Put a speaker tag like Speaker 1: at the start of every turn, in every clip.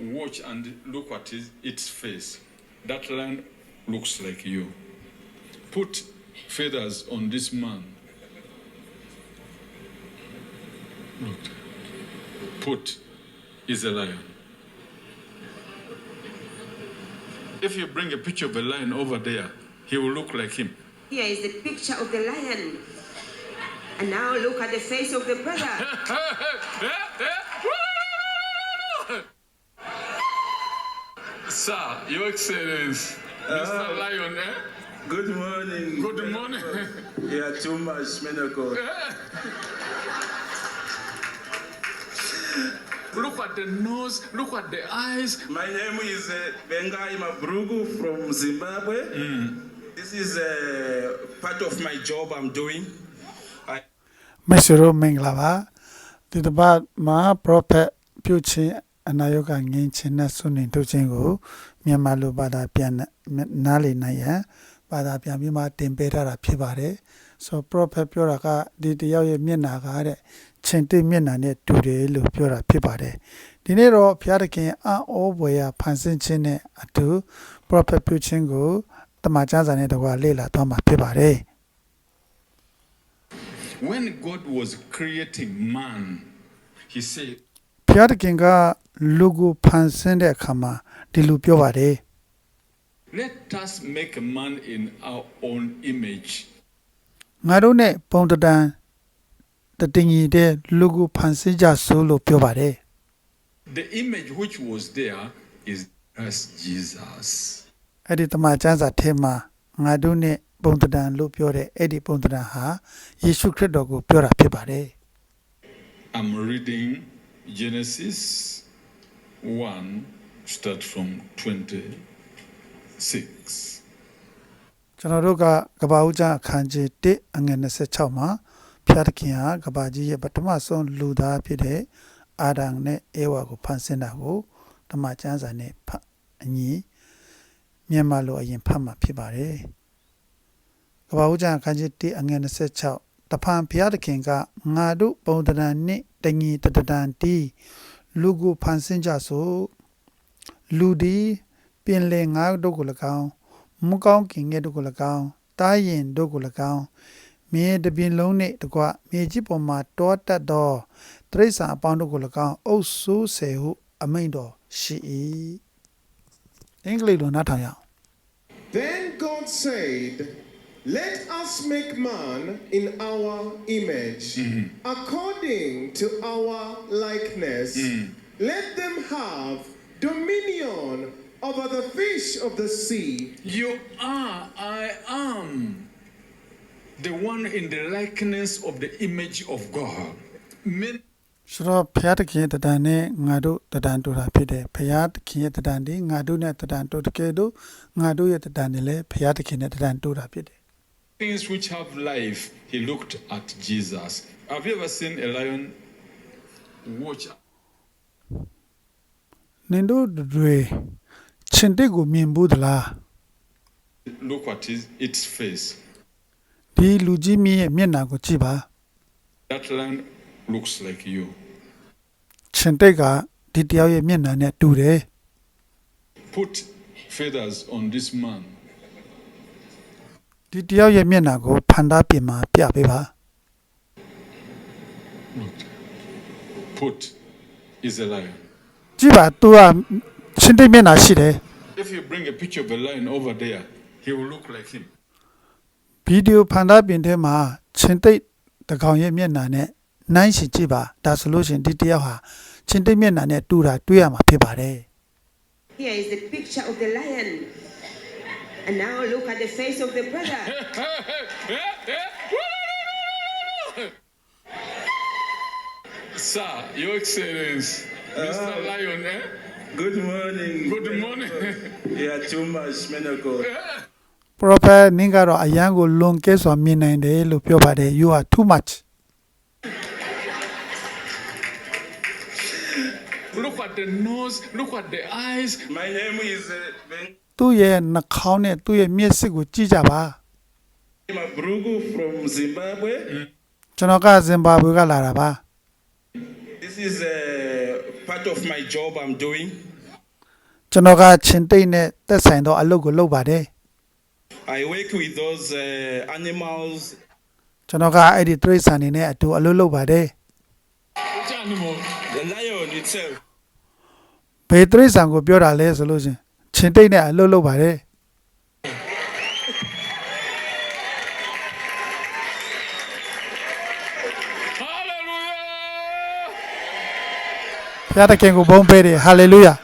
Speaker 1: watch and look at its face. That lion looks like you. Put feathers on this man. Look. Put is a lion. If you bring a picture of a lion over there, he will look like him.
Speaker 2: Here is the picture of the lion. And now look at the face of the brother.
Speaker 1: Sir, Your Excellency, Mr. Lion, eh?
Speaker 3: Good morning.
Speaker 1: Good morning.
Speaker 3: Yeah, too much, Menako.
Speaker 1: Look at the nose, look at the eyes.
Speaker 3: My name is Bengai Mabrugu from Zimbabwe. This is part of my job I'm doing.
Speaker 4: Mesero Menglava, the bad ma prophet Pucci and Ayoga Ginchin Sunin to Jingo, Miamalu Bada Pian Nali Naya, Bada Piamima Tempera Pibare, so prophet Puraga did the Yoya Minagare, Chente Minane to the Lupura Pibare. Dinero Piarakin are all where Pansin atu prophet Puchingo, the Majazan the Walila Toma Pibare.
Speaker 1: When God was creating man, he said,
Speaker 4: ဖျားတခင်ကလူကိုဖန်ဆင်းတဲ့အခါမှာဒီလိုပြောပါတယ်
Speaker 1: let us make a man in our own image.
Speaker 4: ငါတို့နဲ့ပုံတန်တတင်ကြီးတဲ့လူကိုဖန်ဆင်းကြဆိုလို့ပြောပါတယ်
Speaker 1: The image which was there is Christ Jesus.
Speaker 4: အဲ့ဒီတမန်ကျမ်းစာထဲမှာငါတို့နဲ့ပုံတန်လို့ပြောတဲ့အဲ့ဒီပုံတန်ဟာယေရှုခရစ်တော်ကိုပြောတာဖြစ်ပါတယ်
Speaker 1: I'm reading Genesis 1, start from 26.
Speaker 4: ကျွန်တော်တို့ကကဘာဦးကျမ်းအခန်းကြီး1အငယ်26မှာဖျားတခင်ဟာကဘာကြီးရဲ့ပထမဆုံးလူသားဖြစ်တဲ့အာဒံနဲ့အေဝါကိုဖန်ဆင်းတာကိုတမန်ကျမ်းစာနဲ့အညီမြန်မာလိုအရင်ဖတ်မှာဖြစ်ပါတယ်ကဘာဦးကျမ်းအခန်းကြီး1အငယ်26တဖန်ဖျားတခင်ကငါတို့ပုံတန်နဲ့တညီတတန်တီးလူကိုဖန်ဆင်းကြဆိုလူဒီပင်လေငါတို့ကို၎င်းမူကောင်းကင်ငယ်တို့ကို၎င်းတားရင်တို့ကို၎င်းမြေတပြင်လုံးနှင့်တကွမြေကြီးပေါ်မှာတောတက်သောတရိษံအပေါင်းတို့ကို၎င်းအုပ်စိုးစေဟုအမိန့်တော်ရှိ၏အင်္ဂလိပ်လိုနားထောင်ရအောင်
Speaker 5: Then God said, let us make man in our image, according to our likeness. Let them have dominion over the fish of the sea.
Speaker 1: You are, I am the one in the likeness of the image of God. Men
Speaker 4: ဆိုတော့ဖျားတခင်ရဲ့တန်နဲ့ငါတို့တန်တူတာဖြစ်တယ်ဖျားတခင်ရဲ့တန်ဒီငါတို့နဲ့တန်တူတကယ်တော့ငါတို့ရဲ့တန်နဲ့လည်းဖျားတခင်နဲ့တန်တူတာဖြစ်တယ်
Speaker 1: things which have life, he looked at Jesus. Have you ever seen a lion watch?
Speaker 4: နင်တို့တွေချင်းတက်ကိုမြင်ဘူးသလား
Speaker 1: Look at its face.
Speaker 4: ဒီလူကြီးမြင့်ရဲ့မျက်နှာကိုကြည့်ပါ
Speaker 1: That lion looks like you.
Speaker 4: ချင်းတက်ကဒီတယောက်ရဲ့မျက်နှာနဲ့တူတယ်
Speaker 1: Put feathers on this man.
Speaker 4: ဒီတယောက်ရဲ့မျက်နှာကိုဖန်သားပြင်မှာပြပေးပါ
Speaker 1: Put is a lion.
Speaker 4: ကြည့်ပါသူကချင်းတက်မျက်နှာရှိတယ်
Speaker 1: If you bring a picture of a lion over there, he will look like him.
Speaker 4: ဗီဒီယိုဖန်သားပြင်ထဲမှာချင်းတက်တကောင်ရဲ့မျက်နှာနဲ့နိုင်ရှင်ကြည့်ပါဒါဆိုလို့ရှင်ဒီတယောက်ဟာချင်းတက်မျက်နှာနဲ့တူတာတွေ့ရမှာဖြစ်ပါတယ်
Speaker 2: Here is the picture of the lion. And now look at the face of the brother.
Speaker 1: Sir, Your Excellency, Mr. Lion, eh?
Speaker 3: Good morning.
Speaker 1: Good morning.
Speaker 3: Yeah, too much, Menako.
Speaker 4: prophet နင်းကတော့အရန်ကိုလွန်ကဲစွာမြင်နိုင်တယ်လို့ပြောပါတယ် you are too much
Speaker 1: Look at the nose, look at the eyes.
Speaker 3: My name is
Speaker 4: သူ့ရဲ့နှာခေါင်းနဲ့သူ့ရဲ့မျက်စိကိုကြည့်ကြပါ
Speaker 3: Bengai Mabrugu from Zimbabwe.
Speaker 4: ကျွန်တော်ကဇင်ဘာဘွေကလာတာပါ
Speaker 3: This is part of my job I'm doing.
Speaker 4: ကျွန်တော်ကချင်းတိတ်နဲ့သက်ဆိုင်သောအလုပ်ကိုလုပ်ပါတယ်
Speaker 3: I work with those animals.
Speaker 4: ကျွန်တော်ကအဲ့ဒီတိရစ္ဆာန်တွေနဲ့အတူအလုပ်လုပ်ပါတယ်
Speaker 1: Which animal?
Speaker 3: The lion itself.
Speaker 4: ဘယ်တိရစ္ဆာန်ကိုပြောတာလဲဆိုလို့ချင်းချင်းတိတ်နဲ့အလုပ်လုပ်ပါတယ်
Speaker 1: Hallelujah!
Speaker 4: ဘုရားသခင်ကိုဘုန်းပေးတယ်ဟာလေလုယာ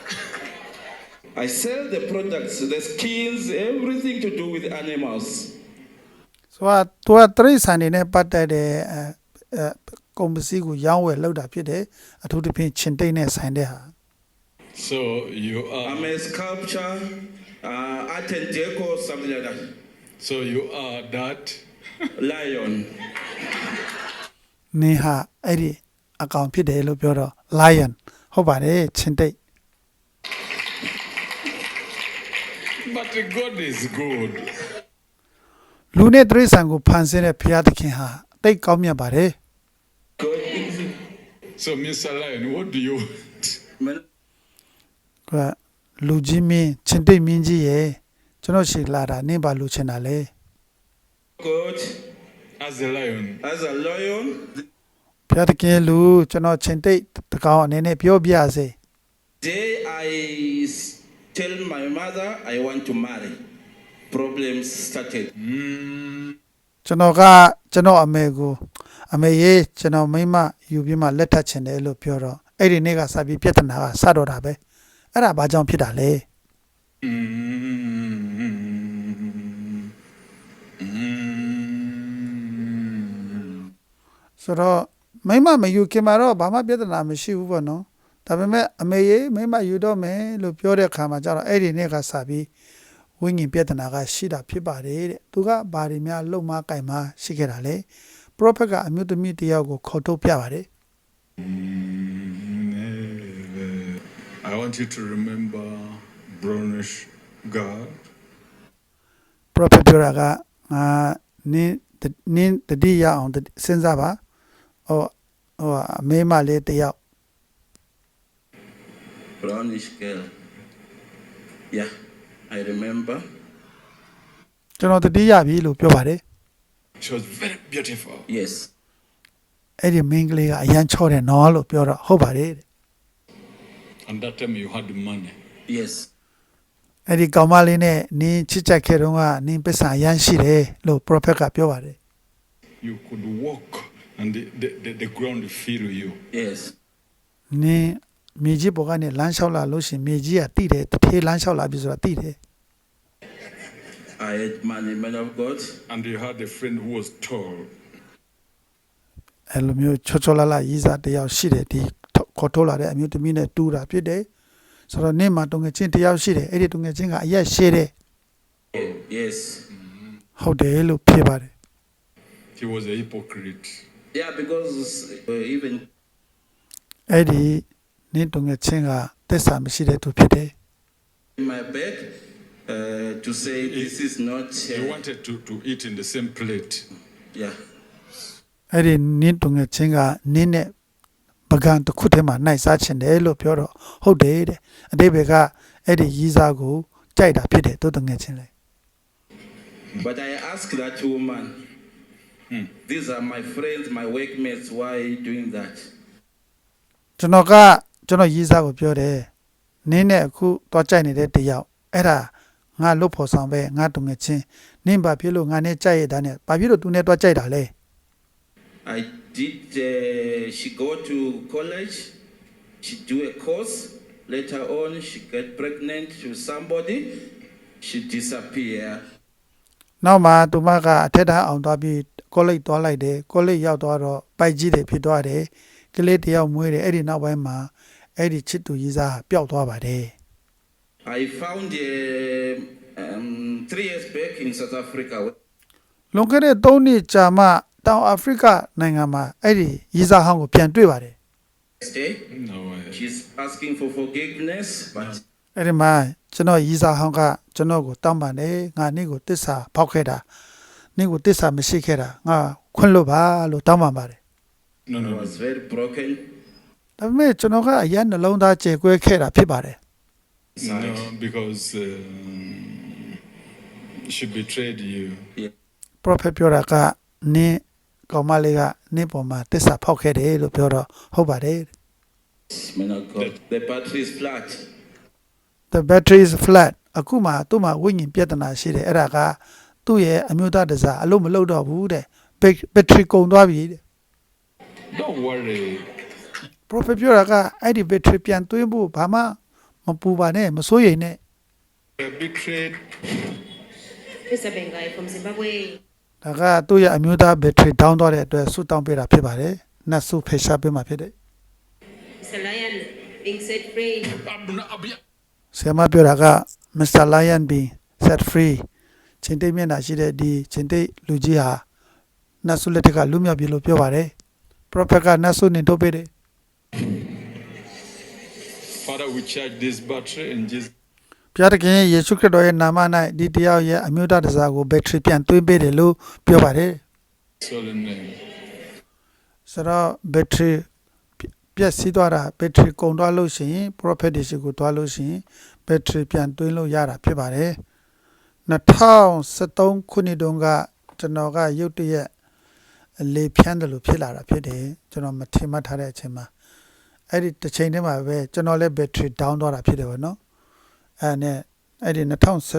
Speaker 3: I sell the products, the skins, everything to do with animals.
Speaker 4: ဆိုတော့သူကတိရစ္ဆာန်တွေနဲ့ပတ်သက်တဲ့ကုန်ပစ္စည်းကိုရောင်းဝယ်လုပ်တာဖြစ်တယ်အထူးသဖြင့်ချင်းတိတ်နဲ့ဆိုင်တဲ့ဟာ
Speaker 1: So you
Speaker 3: I'm
Speaker 1: are.
Speaker 3: a sculpture, art and deco, something like that.
Speaker 1: So you are that.
Speaker 3: Lion.
Speaker 4: နင်းဟာအဲ့ဒီအကောင်ဖြစ်တယ်လို့ပြောတော့ lion ဟုတ်ပါတယ်ချင်းတိတ်
Speaker 1: But God is good.
Speaker 4: လူနဲ့တိရစ္ဆာန်ကိုဖန်ဆင်းတဲ့ဘုရားသခင်ဟာတိတ်ကောင်းမြတ်ပါတယ်
Speaker 3: God is
Speaker 1: So, Mr. Lion, what do you want?
Speaker 3: man.
Speaker 4: ကလူကြီးမင်းချင်းတိတ်မင်းကြီးရဲ့ကျွန်တော်ရှိလာတာနင်းပါလူချင်တာလေ
Speaker 3: God
Speaker 1: As a lion.
Speaker 3: as a lion.
Speaker 4: ဘုရားသခင်လူကျွန်တော်ချင်းတိတ်တကောင်အနေနဲ့ပြောပြစေ
Speaker 3: Day I tell my mother I want to marry. Problems started.
Speaker 4: ကျွန်တော်ကကျွန်တော်အမေကိုအမေရေကျွန်တော်မိမယူပြီးမှလက်ထပ်ချင်တယ်လို့ပြောတော့အဲ့ဒီနေ့ကစပြီးပြဿနာကစတော့တာပဲအဲ့ဒါဘာကြောင့်ဖြစ်တာလဲ ဆိုတော့မိမမယူခင်မှာတော့ဘာမှပြဿနာမရှိဘူးပေါ့နော်ဒါပေမဲ့အမေရေမိမယူတော့မယ်လို့ပြောတဲ့အခါမှာကျတော့အဲ့ဒီနေ့ကစပြီးဝိညာဉ်ပြဿနာကရှိတာဖြစ်ပါတယ်တဲ့သူကဘာတွေများလုံမကင်မရှိခဲ့တာလဲပရောဖက်ကအမျိုးသမီးတစ်ယောက်ကိုခေါ်ထုတ်ပြပါတယ်
Speaker 1: I want you to remember brownish God.
Speaker 4: ပရောဖက်ပြောတာကငါနင်းတတိယအောင်စဉ်းစားပါဟိုအမေမလေးတစ်ယောက်
Speaker 3: Brownish girl. Yeah, I remember.
Speaker 4: ကျွန်တော်တတိယပြီလို့ပြောပါတယ်
Speaker 1: She was very beautiful.
Speaker 3: Yes.
Speaker 4: အဲ့ဒီမိန်းကလေးကအရန်ချော့တယ်နော်လို့ပြောတော့ဟုတ်ပါတယ်တဲ့
Speaker 1: And that time you had money.
Speaker 3: Yes.
Speaker 4: အဲ့ဒီကောင်မလေးနဲ့နင်းချစ်ချက်ခဲ့တော့ကနင်းပစ္စာအရန်ရှိတယ်လို့ပရောဖက်ကပြောပါတယ်
Speaker 1: You could walk and the ground feel you.
Speaker 3: Yes.
Speaker 4: နင်းမြေကြီးပေါ်ကနေလမ်းလျှောက်လာလို့ရှရင်မြေကြီးကတိတယ်တစ်ထေးလမ်းလျှောက်လာပြီဆိုတာတိတယ်
Speaker 3: I had money, man of God.
Speaker 1: And you had a friend who was tall.
Speaker 4: အဲ့လိုမျိုးချောချောလာလာရေးစားတစ်ယောက်ရှိတယ်ဒီခေါ်ထုတ်လာတဲ့အမျိုးသမီးနဲ့တူတာဖြစ်တယ်ဆိုတော့နင်းမှာတုံငယ်ချင်းတစ်ယောက်ရှိတယ်အဲ့ဒီတုံငယ်ချင်းကအရက်ရှည်တယ်
Speaker 3: Yes.
Speaker 4: ဟုတ်တယ်လို့ဖြေပါတယ်
Speaker 1: He was a hypocrite.
Speaker 3: Yeah, because even
Speaker 4: အဲ့ဒီနင်းတုံငယ်ချင်းကသစ္စာမရှိတဲ့သူဖြစ်တယ်
Speaker 3: in my bed to say this is not.
Speaker 1: He wanted to eat in the same plate.
Speaker 3: Yeah.
Speaker 4: အဲ့ဒီနင်းတုံငယ်ချင်းကနင်းနဲ့ပကံတစ်ခုထဲမှာနိုင်စားချင်တယ်လို့ပြောတော့ဟုတ်တယ်တဲ့အတိပ္ပယ်ကအဲ့ဒီရီးစားကိုကြိုက်တာဖြစ်တယ်သူတုံငယ်ချင်းလေ
Speaker 3: But I asked that woman, these are my friends, my workmates, why are you doing that?
Speaker 4: ကျွန်တော်ရီးစားကိုပြောတယ်နင်းနဲ့အခုသွားကြိုက်နေတဲ့တယောက်အဲ့ဒါငါလွတ်ဖို့ဆောင်ပဲငါတုံငယ်ချင်းနင်းဘာဖြစ်လို့ငါနဲ့ကြိုက်ရတာနဲ့ဘာဖြစ်လို့သူနဲ့သွားကြိုက်တာလဲ
Speaker 3: I did, she go to college, she do a course, later on she get pregnant to somebody, she disappear.
Speaker 4: နောက်မှသူမကအထက်တန်းအောင်သွားပြီးကောလိပ်သွားလိုက်တယ်ကောလိပ်ရောက်သွားတော့ပိုက်ကြီးတွေဖြစ်သွားတယ်ကလေးတယောက်မွေးတယ်အဲ့ဒီနောက်ပိုင်းမှာအဲ့ဒီချစ်သူရီးစားပျောက်သွားပါတယ်
Speaker 3: I found 3 years back in South Africa.
Speaker 4: လွန်ခဲ့တဲ့3နှစ်ကြာမှတောင်အာဖရိကနိုင်ငံမှာအဲ့ဒီရီးစားဟောင်းကိုပြန်တွေ့ပါတယ်
Speaker 3: Next day,
Speaker 1: No way.
Speaker 3: she's asking for forgiveness, but
Speaker 4: အဲ့ဒီမှာကျွန်တော်ရီးစားဟောင်းကကျွန်တော်ကိုတောင်းပန်တယ်ငါနေ့ကိုတစ္ဆာဖောက်ခဲ့တာနေ့ကိုတစ္ဆာမရှိခဲ့တာငါခွင့်လွတ်ပါလို့တောင်းပန်ပါတယ်
Speaker 1: No,
Speaker 3: I
Speaker 1: no, no.
Speaker 3: was very broken.
Speaker 4: ဒါပေမဲ့ကျွန်တော်ကအရင်နှလုံးသားကြေကွဲခဲ့တာဖြစ်ပါတယ်
Speaker 3: side.
Speaker 1: No, because she betrayed you.
Speaker 4: prophet ပြောတာကနင်းကောင်မလေးကနင်းပေါ်မှာတစ္ဆာဖောက်ခဲ့တယ်လို့ပြောတော့ဟုတ်ပါတယ်
Speaker 3: Man of God, the battery is flat.
Speaker 4: the battery is flat အခုမှသူ့မှာဝိညာဉ်ပြဿနာရှိတယ်အဲ့ဒါကသူ့ရဲ့အမျိုးသားတစားအလုံးမလုံးတော့ဘူးတဲ့ battery ကုန်သွားပြီတဲ့
Speaker 1: Don't worry.
Speaker 4: prophet ပြောတာကအဲ့ဒီ battery ပြန်သွင်းဖို့ဘာမှမပူပါနဲ့မစိုးရိမ်နဲ့
Speaker 1: Betrayed.
Speaker 2: Mr. Bengai from Zimbabwe.
Speaker 4: ဒါကသူ့ရဲ့အမျိုးသား battery down သွားတဲ့အတွက်ဆူတောင်းပေးတာဖြစ်ပါတယ်နတ်ဆုဖေရှားပေးမှာဖြစ်တယ်
Speaker 2: Mr. Lion being set free.
Speaker 4: ဆရာမပြောတာက Mr. Lion being set free ချင်းတိတ်မျက်နှာရှိတဲ့ဒီချင်းတိတ်လူကြီးဟာနတ်ဆုလက်ထက်ကလွတ်မြောက်ပြီလို့ပြောပါတယ် prophet ကနတ်ဆုနေတော့ပေးတယ်
Speaker 1: Father, we charge this battery in Jesus.
Speaker 4: ဘုရားသခင်ယေရှုခရစ်တော်ရဲ့နာမ၌ဒီတယောက်ရဲ့အမျိုးသားတစားကို battery ပြန်သွင်းပေးတယ်လို့ပြောပါတယ်
Speaker 1: Holy name.
Speaker 4: ဆိုတော့ battery ပြည့်စည်သွားတာ battery ကုန်သွားလို့ရှိရင် prophet တွေရှိကိုသွားလို့ရှိရင် battery ပြန်သွင်းလို့ရတာဖြစ်ပါတယ်2013ခုနှစ်တုန်းကကျွန်တော်ကရုတ်တရက်လေဖြန်းတယ်လို့ဖြစ်လာတာဖြစ်တယ်ကျွန်တော်မထင်မှတ်ထားတဲ့အချိန်မှာအဲ့ဒီတစ်ချိန်တည်းမှာပဲကျွန်တော်လည်း battery down သွားတာဖြစ်တယ်ဗောနော်အဲ့ဒီ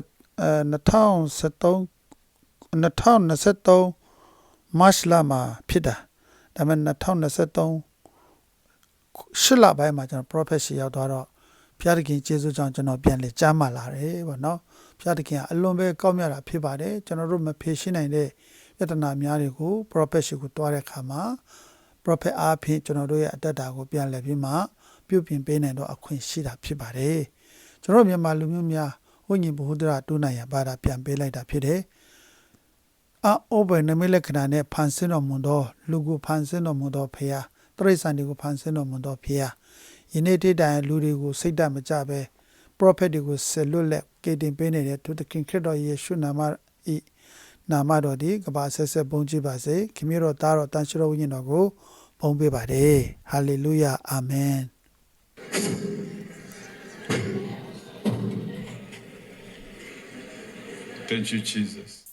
Speaker 4: 2023 March လမှာဖြစ်တာဒါပေမဲ့2023ရှစ်လပိုင်းမှာကျွန်တော် prophet ရှိရောက်သွားတော့ဘုရားသခင်ကျေးဇူးကြောင့်ကျွန်တော်ပြန်လေကြားမှလာတယ်ဗောနော်ဘုရားသခင်ကအလွန်ပဲကောင်းမြတ်တာဖြစ်ပါတယ်ကျွန်တော်တို့မဖြေရှင်းနိုင်တဲ့ပြဿနာများတွေကို prophet ရှိကိုတွားတဲ့အခါမှာ prophet အားဖြင့်ကျွန်တော်တို့ရဲ့အတ္တတာကိုပြန်လည်ပြီးမှပြုပြင်ပေးနိုင်တော့အခွင့်ရှိတာဖြစ်ပါတယ်ကျွန်တော်မြန်မာလူမျိုးများဝိညာဉ်ဘုဟုတ္တရတူးနိုင်ရပါတာပြန်ပေးလိုက်တာဖြစ်တယ်အောဘယ်နမိလက္ခဏာနဲ့ဖန်ဆင်းတော်မူသောလူကိုဖန်ဆင်းတော်မူသောဖခင်တရိစ္ဆာန်တွေကိုဖန်ဆင်းတော်မူသောဖခင်ယနေ့တိတိုင်လူတွေကိုစိတ်ဓာတ်မကြပဲ prophet တွေကိုဆက်လွတ်လက်ကေတင်ပေးနေတဲ့သူသခင်ခရစ်တော်ယေရှုနာမဤနာမတော်ဒီကဘာဆက်ဆက်ပုံကြည့်ပါစေခင်ဗျားတော်သားတော်တန်ရှင်းတော်ဝိညာဉ်တော်ကိုပုံပေးပါတယ်ဟာလေလုယာအာမင်
Speaker 1: Thank you, Jesus.